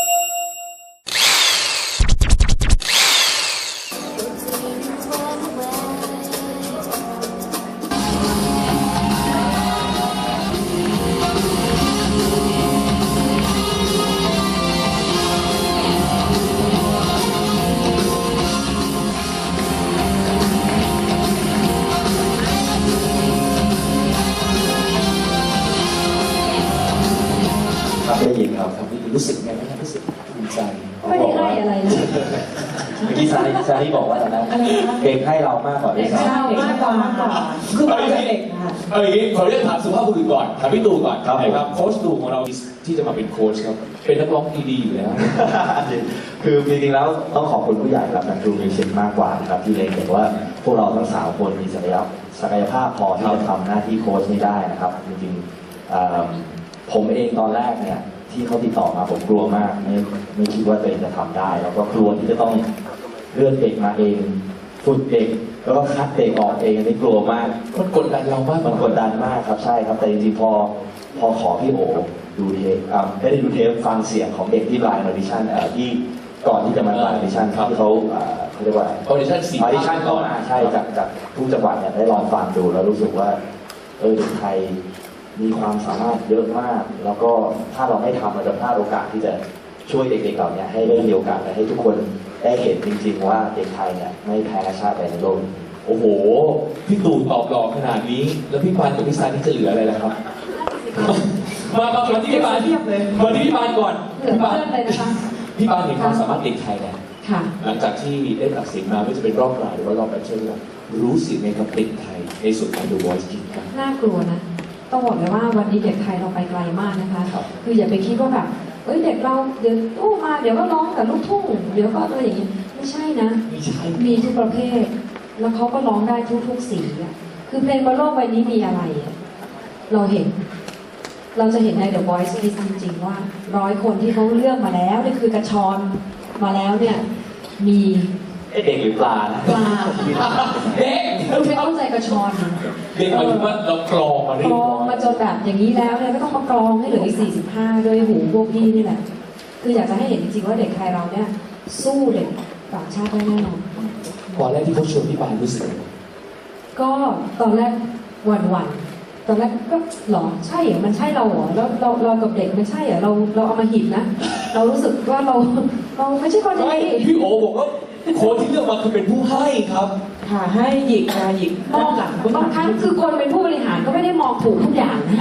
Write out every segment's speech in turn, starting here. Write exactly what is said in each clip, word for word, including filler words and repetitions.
ได้ยินครับครับรู้สึกไงบ้างรู้สึกภูมิใจไม่ได้ให้อะไรนะเมื่อกี้ซาริซาริบอกว่าอะไรนะเด็กให้เรามากกว่าด้วยซ้ำเด็กให้เรามากกว่าคือเราจะเด็กค่ะเอาอย่างนี้ขอเรียกถามสุภาพบุรุษก่อนถามพี่ตู่ก่อนครับครับโค้ชตู่ของเราที่จะมาเป็นโค้ชครับเป็นนักร้องดีๆอยู่แล้วคือจริงๆแล้วต้องขอบคุณผู้ใหญ่ครับนักดูมิวสิกมากกว่าครับที่เล็งเห็นว่าพวกเราทั้งสามคนมีศักยภาพศักยภาพพอที่จะทำหน้าที่โค้ชนี้ได้นะครับจริงๆผมเองตอนแรกเนี่ยที่เขาติดต่อมาผมกลัวมากไม่ไม่คิดว่าตัวเองจะทำได้แล้วก็กลัวที่จะต้องเลือกเด็กมาเองฝึกเด็กแล้วก็คัดเด็กออกเองนี่กลัวมากมันกดดันเรามากมันกดดันมากครับใช่ครับแต่จริงๆพอพอขอพี่โอดูเทปไม่ได้ดูเทปฟังเสียงของเด็กที่ไลน์ออดิชั่นที่ก่อนที่จะมาไลน์ออดิชั่นที่เขาเขาเรียกว่าออดิชั่นสี่ออดิชั่นเข้ามาใช่จากจากทุกจังหวัดเนี่ยได้ลองฟังดูแล้วรู้สึกว่าเออเด็กไทยมีความสามารถเยอะมากแล้วก็ถ้าเราไม่ทำเราจะพลาดโอกาสที่จะช่วยเด็กๆเหล่านี้ให้ได้มีโอกาสและให้ทุกคนได้เห็นจริงๆว่าเด็กไทยเนี่ยไม่แพ้ชาติใดในโลกโอ้โหพี่ตู่ตอบหล่อขนาดนี้แล้วพี่ปานกับพี่ซานี่จะเหลืออะไรล่ะครับมามามาที่พี่ปานมาที่พี่ปานก่อนพี่ปานเลยนะคะพี่ปานเห็นความสามารถเด็กไทยแล้วหลังจากที่ได้ตัดสินมาไม่ว่าจะเป็นรอบกลางหรือว่ารอบแบทเทิลรู้สึกในกับเด็กไทยในส่วนของ The Voice Kids ครับน่ากลัวนะต้องบอกเลยว่าวันนี้เด็กไทยเราไปไกลมากนะคะคืออย่าไปคิดว่าแบบเอ้ยเด็กเราเดี๋ยวโอ้มาเดี๋ยวก็ร้องแต่ลูกทุ่งเดี๋ยวก็อะไรอย่างนี้ไม่ใช่นะมีทุกประเภทแล้วเขาก็ร้องได้ทุกๆสีอ่ะคือเพลงบนโลกใบนี้มีอะไรเราเห็นเราจะเห็นใน The Voice Kids จริงๆว่าร้อยคนที่เขาเลือกมาแล้วนี่คือกระชอนมาแล้วเนี่ยมีเด็กหรือปลาปลาเด็กไม่เข้าใจกระชอนเด็กหมายถึงว่าเรากรองมากรองมาจนแบบอย่างนี้แล้วเนี่ยไม่ต้องมากรองให้เหลืออีกสี่สิบห้าด้วยหูพวกพี่นี่แหละคืออยากจะให้เห็นจริงๆว่าเด็กไทยเราเนี่ยสู้เด็กต่างชาติได้แน่นอนตอนแรกที่เขาชวนพี่ปานรู้สึกก็ตอนแรกหวั่นๆตอนแรกก็หรอใช่เหรอมันใช่เราเหรอแล้วเราเรากับเด็กมันใช่เหรอเราเราเอามาหินนะเรารู้สึกว่าเราเราไม่ใช่คนดีพี่โอบอกว่าโค้ชที่เลือกมาคือเป็นผู้ให้ครับค่ะให้หยิกมาหยิกมองหลังบางครั้งคือคนเป็นผู้บริหารก็ไม่ได้มองถูกทุกอย่างนะ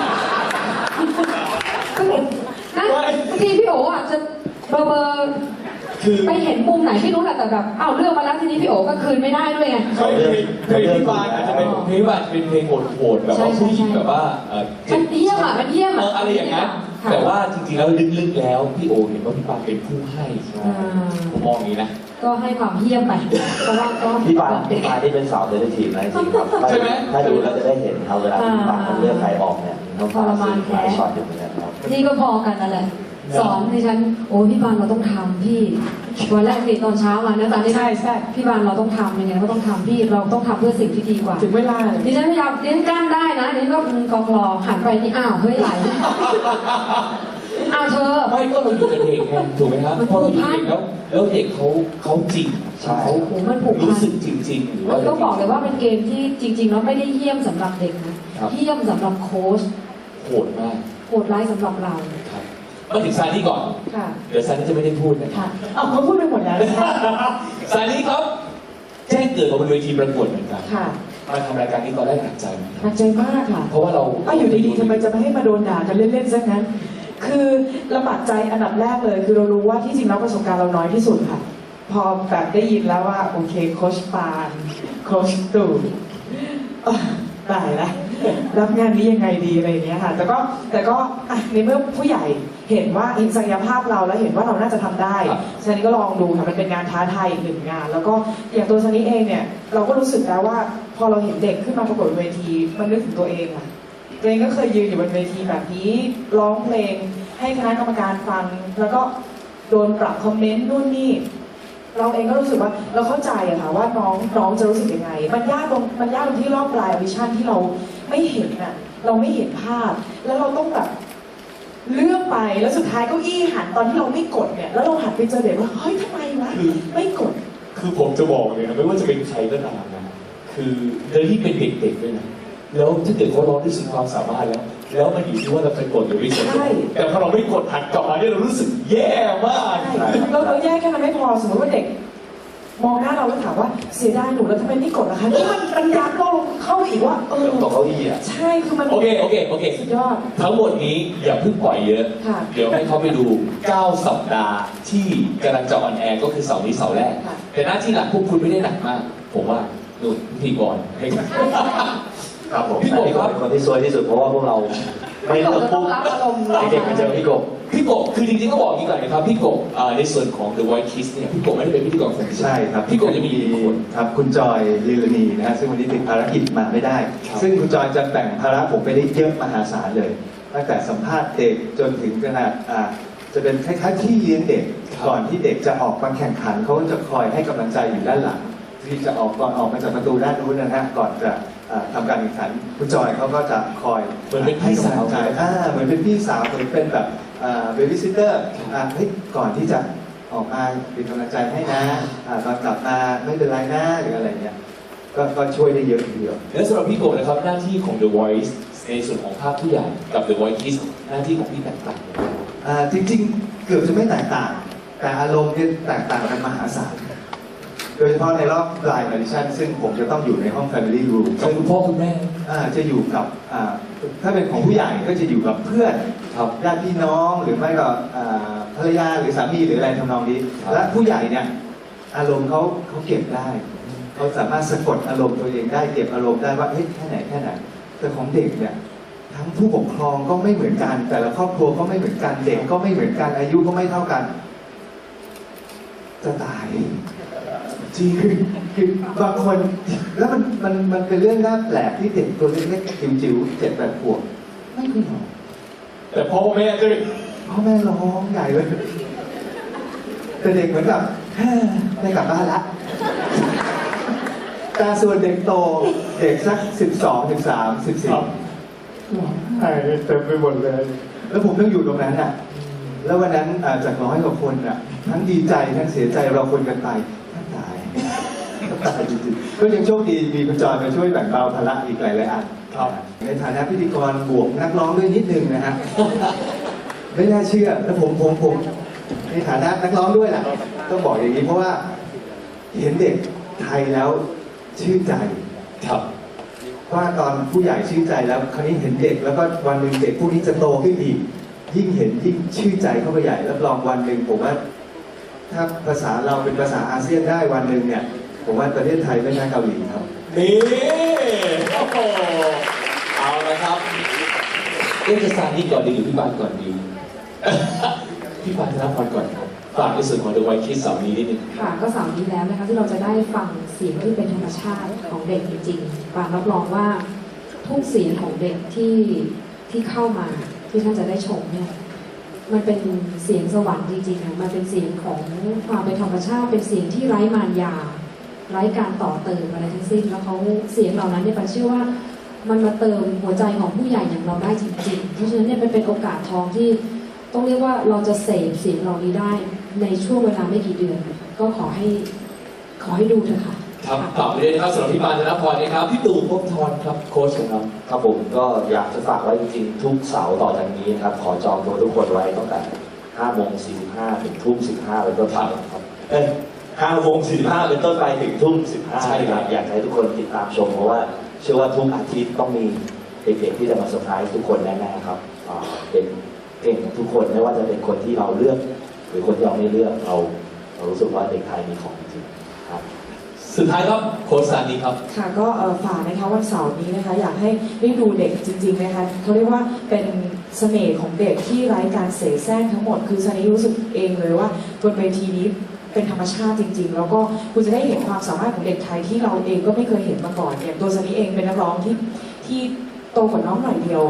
นะบางทีพี่โออาจจะเบอร์เบอร์ไปเห็นมุมไหนไม่รู้แหละแต่แบบอ้าวเลือกมาแล้วทีนี้พี่โอก็คืนไม่ได้ด้วยไงเพลงพี่ปานอาจจะเป็นเพลงว่าเป็นเพลงโหดๆแบบว่าผู้หญิงแบบว่ามันเยี่ยมอ่ะมันเยี่ยมอ่ะอะไรอย่างนั้นแต่ว่าจริงๆแล้วลึกๆแล้วพี่โอเห็นว่าพี่ปานเป็นผู้ให้ผมมองอย่างนี้นะก็ให้ความเยี่ยมไปเพราะว่าก็พี่ปานพี่ปานที่เป็นสาวเซนซิทีฟนะจริงครับใช่ไหมถ้าดูแล้วจะได้เห็นเขาเวลาพี่ปานเลือกใครออกเนี่ยทรมานแท้ช็อตอยู่เหมือนกันครับนี่ก็พอกันนั่นแหละสอนดิฉันโอ้พี่ปานเราต้องทำพี่วันแรกติดตอนเช้ามานะตอนนี้ใช่ใช่พี่ปานเราต้องทำยังไงก็ต้องทำพี่เราต้องทำเพื่อสิ่งที่ดีกว่าถึงเวลาดิฉันพยายามดิฉันกล้าได้นะดิฉันก็กองรอหันไปนี่อ้าวเฮ้ยไหลอ้าวเธอไม่ก็เราอยู่กับเด็กไงถูกไหมครับเพราะเราอยู่เด็กแล้วแล้วเด็กเขาเขาจริงเขารู้สึกจริงๆหรือว่าก็บอกเลยว่าเป็นเกมที่จริงๆแล้วไม่ได้เยี่ยมสำหรับเด็กนะเยี่ยมสำหรับโค้ชโหดมากโหดร้ายสำหรับเรามาถึงซานี่ก่อนเดี๋ยวซานี่จะไม่ได้พูดนะเอาเขาพูดไปหมดแล้วซานี่ครับแจ้งเกิดมาบนเวทีประกวดเหมือนกันมาทำรายการนี้ตอนแรกหนักใจไหมหนักใจมากค่ะเพราะว่าเราอ้าวอยู่ดีๆทำไมจะไม่ให้มาโดนด่ากันเล่นๆซะงั้นคือลำบากใจอันดับแรกเลยคือเรารู้ว่าที่จริงแล้วประสบการณ์เราน้อยที่สุดค่ะพอแบบได้ยินแล้วว่าโอเคโค้ชปานโค้ชตู่ตายแล้วรับงานนี้ยังไงดีอะไรอย่างเงี้ยค่ะแต่ก็แต่ก็ในเมื่อผู้ใหญ่เห็นว่าเห็นศักยภาพเราแล้วเห็นว่าเราน่าจะทำได้ซันนี่ก็ลองดูค่ะมันเป็นงานท้าทายอีกหนึ่งงานแล้วก็อย่างตัวซันนี่เองเนี่ยเราก็รู้สึกแล้วว่าพอเราเห็นเด็กขึ้นมาประกวดเวทีมันนึกถึงตัวเองอะตัวเองก็เคยยืนอยู่บนเวทีแบบนี้ร้องเพลงให้คณะกรรมการฟังแล้วก็โดนปรับคอมเมนต์นู่นนี่เราเองก็รู้สึกว่าเราเข้าใจอะค่ะว่าน้องน้องจะรู้สึกยังไงมันยากตรงมันยากตรงที่รอบปลายออดิชั่นที่เราไม่เห็นอะเราไม่เห็นภาพแล้วเราต้องแบบเลื่อนไปแล้วสุดท้ายเก้าอี้หันตอนที่เราไม่กดเนี่ยแล้วเราหันไปเจอเด็กว่าเฮ้ยทำไมวะไม่กดคือผมจะบอกเลยนะไม่ว่าจะเป็นใครก็ตามนะคือเรื่องที่เป็นเด็กๆด้วยนะแล้วถ้าเกิดเขาร้องด้วยสุดความสามารถแล้ว แล้วมันอยู่ที่ว่าเราจะกดหรือไม่กดใช่แต่พอเราไม่กดหันกลับมาเนี่ยเรารู้สึกแย่มากใช่เราเราแยกแค่นั้นไม่พอสมมติว่าเด็ก มองหน้าเราแล้วถามว่าเสียดายหนูแล้วทำไมไม่กดล่ะคะนี่มันมันยัดเราลงเข้าไปอีกว่าเออตกเก้าอี้อ่ะใช่คือมันโอเคโอเคโอเคสุดยอดทั้งหมดนี้อย่าเพิ่งปล่อยเยอะค่ะเดี๋ยวให้เขาไปดู เก้า สัปดาห์ที่กำลังจะออนแอร์ก็คือเสาร์นี้เสาร์แรกค่ะแต่หน้าที่หลักพวกคุณไม่ได้หนักมาก ผมว่าดูพิธีกรให้ครับผมพี่กบพี่กครับ บเป็นคนที่ซวยที่สุดเพราะว่าพวกเราไม่เลือกต้ปุ๊อบ งรับอารมณ์เด็กๆมาเจอพี่กบพี่กบคือจริงๆก็บอกอย่างนี้ก่อนนะครับพี่กบอ่าในส่วนของ The Voice Kids เนี่ยพี่กบไม่ได้เป็นพิธีกรคนเดียวใช่ครับพี่กบจะมีกี่คนครับคุณจอยลีลานีนะฮะซึ่งวันนี้ติดภารกิจมาไม่ได้ครับซึ่งคุณจอยจะแบ่งภาระผมไปได้เยอะมหาศาลเลย ตั้งแต่สัมภาษณ์เด็กจนถึงขนาดอ่าจะเป็นคล้ายๆที่เลี้ยงเด็ก ก่อนที่เด็กจะออกมาแข่งขันเขาก็จะคอยให้กำลังใจอยู่ด้านหลัง ที่จะออกก่อนออกมาจากประตูด้านนู้นนะฮะก่อนจะอ่าทำการแข่งขันคุณจอยเขาก็จะคอยเหมือนเป็นพี่ให้กำสาลัวงใจอ่าเหมือนเป็นพี่สาวเหมือนเป็นแบบเบบี้ซิสเตอร์เฮ้ยก่อนที่จะออกมาเป็นกำลังใจให้นะอ่าตอนกลับมาไม่เป็นไรนะหรืออะไรเงี้ยก็ก็ช่วยได้เยอะทีเดียวและสำหรับพี่กบนะครับหน้าที่ของ The Voice ในส่วนของภาคผู้ใหญ่กับ The Voice Kids หน้าที่ของพี่แตกต่างกันไหมอ่าจริงๆ เกือบจะไม่แตกต่าง แต่อารมณ์เนี่ยแตกต่างกันมหาศาลโดยเฉพาะในรอบ Blind Audition ซึ่งผมจะต้องอยู่ในห้อง Family Room กับซึ่งคุณพ่อคุณแม่อ่าจะอยู่กับอ่าถ้าเป็นของผู้ใหญ่ก็จะอยู่กับเพื่อนครับญาติพี่น้องหรือไม่ก็อ่าภรรยาหรือสามีหรืออะไรทำนองนี้ครับและผู้ใหญ่เนี่ยอารมณ์เขาเขาเก็บได้เขาสามารถสะกดอารมณ์ตัวเองได้เก็บอารมณ์ได้ว่าเฮ้ยแค่ไหนแค่ไหนแต่ของเด็กเนี่ยทั้งผู้ปกครองก็ไม่เหมือนกัน แต่ละครอบครัวก็ไม่เหมือนกันเด็กก็ไม่เหมือนกันอายุก็ไม่เท่ากัน จะตายจริงคือคือบางคนแล้วมันมันมันเป็นเรื่องน่าแปลกที่เด็กตัวเล็กๆจิ๋วๆเจ็ดแปดขวบไม่เคยหรอกแต่พ่อแม่จะพ่อแม่ร้องใหญ่เลยแต่เด็กเหมือนกับแฮ่ได้กลับบ้านละแต่ส่วนเด็กโตเด็กสักสิบสองสิบสามสิบสี่ร้องไห้เต็มไปหมดเลย แล้วผมต้องอยู่ตรงนั้นอ่ะ แล้ววันนั้นอ่าจากร้อยกว่าคนอ่ะ ทั้งดีใจทั้งเสียใจเราคนกันไปท่านตายตายจริงๆก็ยังโชคดีมีคุณจอยมาช่วยแบ่งเบาภาระอีกหลายๆอันครับในฐานะพิธีกรบวกนักร้องด้วยนิดนึงนะฮะ ไม่น่าเชื่อแล้วผมผมผมในฐานะนักร้องด้วยล่ะต้องบอกอย่างนี้เพราะว่าเห็นเด็กไทยแล้วชื่นใจครับว่าตอนผู้ใหญ่ชื่นใจแล้วคราวนี้เห็นเด็กแล้วก็วันหนึ่งเด็กพวกนี้จะโตขึ้นอีก ยิ่งเห็นยิ่งชื่นใจเข้าไปใหญ่รับรองวันหนึ่งผมว่า ถ้าภาษาเราเป็นภาษาอาเซียนได้วันหนึ่งเนี่ย ผมว่าประเทศไทยไม่ใช่เกาหลีครับนี่โอ้โหเอาละครับเอ๊ะจะซานี่ก่อนดีหรือพี่บานก่อนดี พี่บานธนพรก่อนครับฝากในส่วนของ The Voice Kids เสาร์นี้นิดนึงค่ะก็เสาร์นี้แล้วนะคะที่เราจะได้ฟังเสียงที่เป็นธรรมชาติของเด็กจริงๆปานรับรองว่าทุกเสียงของเด็กที่ที่เข้ามาที่ท่านจะได้ชมเนี่ยมันเป็นเสียงสวรรค์จริงๆนะมันเป็นเสียงของความเป็นธรรมชาติ เป็นเสียงที่ไร้มารยา ไร้การต่อเติมอะไรทั้งสิ้นแล้วเขาเสียงเหล่านั้นเนี่ยปานเชื่อว่ามันมาเติมหัวใจของผู้ใหญ่อย่างเราได้จริงๆ เพราะฉะนั้นเนี่ยมันเป็นโอกาสทองที่ต้องเรียกว่าเราจะเสพเสียงเหล่านี้ได้ในช่วงเวลาไม่กี่เดือน ก็ขอให้ขอให้ดูเถอะค่ะครับฝากไปด้วยนะครับสำหรับพี่บานธนพรนะครับพี่ตู่ภพบทรครับโค้ชของเราครับผมก็อยากจะฝากไว้จริงๆ ทุกเสาร์ต่อจากนี้นะครับ ขอจองตัวทุกคนไว้ตั้งแต่ห้าโมงสี่สิบห้าถึงทุ่มสิบห้าเป็นต้นไปครับ เอ้ยห้าโมงสี่สิบห้าเป็นต้นไปถึงทุ่มสิบห้าใช่ครับอยากให้ทุกคนติดตามชมเพราะว่าเชื่อว่าทุกอาทิตย์ต้องมีเด็กๆที่จะมาเซอร์ไพรส์ทุกคนแน่ๆครับอ่าเป็นเก่งทุกคนไม่ว่าจะเป็นคนที่เราเลือก หรือคนที่เราไม่เลือกเราเรารู้สึกว่าเด็กไทยมีของจริงๆครับสุดท้ายครับโค้ชซานีครับค่ะก็เอ่อฝากนะคะวันเสาร์นี้นะคะอยากให้ได้ดูเด็กจริงๆนะคะเขาเรียกว่าเป็นเสน่ห์ของเด็กที่ไร้การเสแสร้งทั้งหมดคือซันนี่รู้สึกเองเลยว่าบนเวทีนี้เป็นธรรมชาติจริง ๆ แล้วก็คุณจะได้เห็นความสามารถของเด็กไทยที่เราเองก็ไม่เคยเห็นมาก่อนอย่างตัวซันนี่เองเป็นนักร้องที่ที่โตกว่าน้องหน่อยเดียว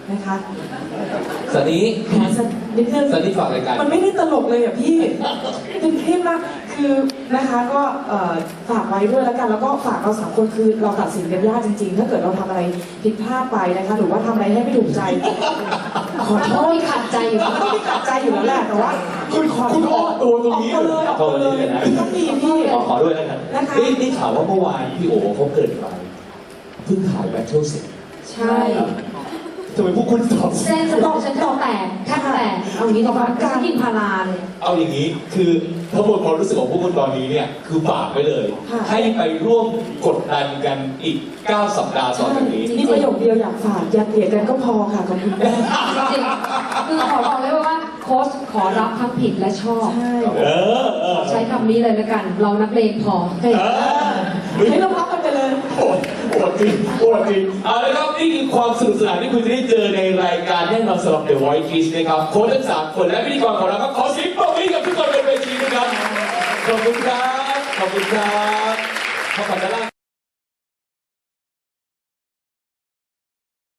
นะคะสันนี้แผลสักนิดนึงสันนี้ฝากรายการมันไม่ได้ตลกเลยอ่ะพี่ เป็นเครียดมากคือนะคะก็เอ่อฝากไว้ด้วยแล้วกัน แล้วก็ฝากเราสามคนคือเราตัดสินกันยากจริงๆ ถ้าเกิดเราทำอะไรผิดพลาดไปนะคะ หรือว่าทำอะไรให้ไม่ถูกใจ ขอโทต้องษมีขัดใจอยู่มันต้องมีขัดใจอยู่แล้วแหละแต่ว่าคุณขอคุณออกตัวตรงนี้ออกตัวเลยออกตัวเลยต้องมีพี่ขอขอด้วยแล้วกันนะคะนี่นี่ข่าวว่าเมื่อวานพี่โอเขาเกิดไปเพิ่งถ่ายแบทเทิลเสร็จใช่ทำไมพวกคุณตอบเส้นสมองฉันแทบแตกแทบแตกเอางี้ดีกว่าฉันกินพาราเลยเอาอย่างนี้คือทั้งหมดความรู้สึกของพวกคุณตอนนี้เนี่ยคือฝากไว้เลยค่ะให้ไปร่วมกดดันกันอีก เก้า สัปดาห์ต่อจากนี้นี่ประโยคเดียวอยากฝากอย่าเกลียดกันก็พอค่ะขอบคุณมากจริงๆคือขอบอกเลยว่าโค้ชขอรับทั้งผิดและชอบใช่เออเออใช้คำนี้เลยแล้วกัน เรานักเลงพอเออให้เราพักกันไปเลยโหดโหดจริงโหดจริงเอาละครับนี่คือความสนุกสนานที่คุณจะได้เจอในรายการแน่นอนสำหรับ The Voice Kids นะครับโค้ชทั้งสามคนและพิธีกรของเราครับขอเสียงปรบมือให้กับทุกคนบนเวทีนะครับขอบคุณครับขอบคุณครับขอบคุณครับ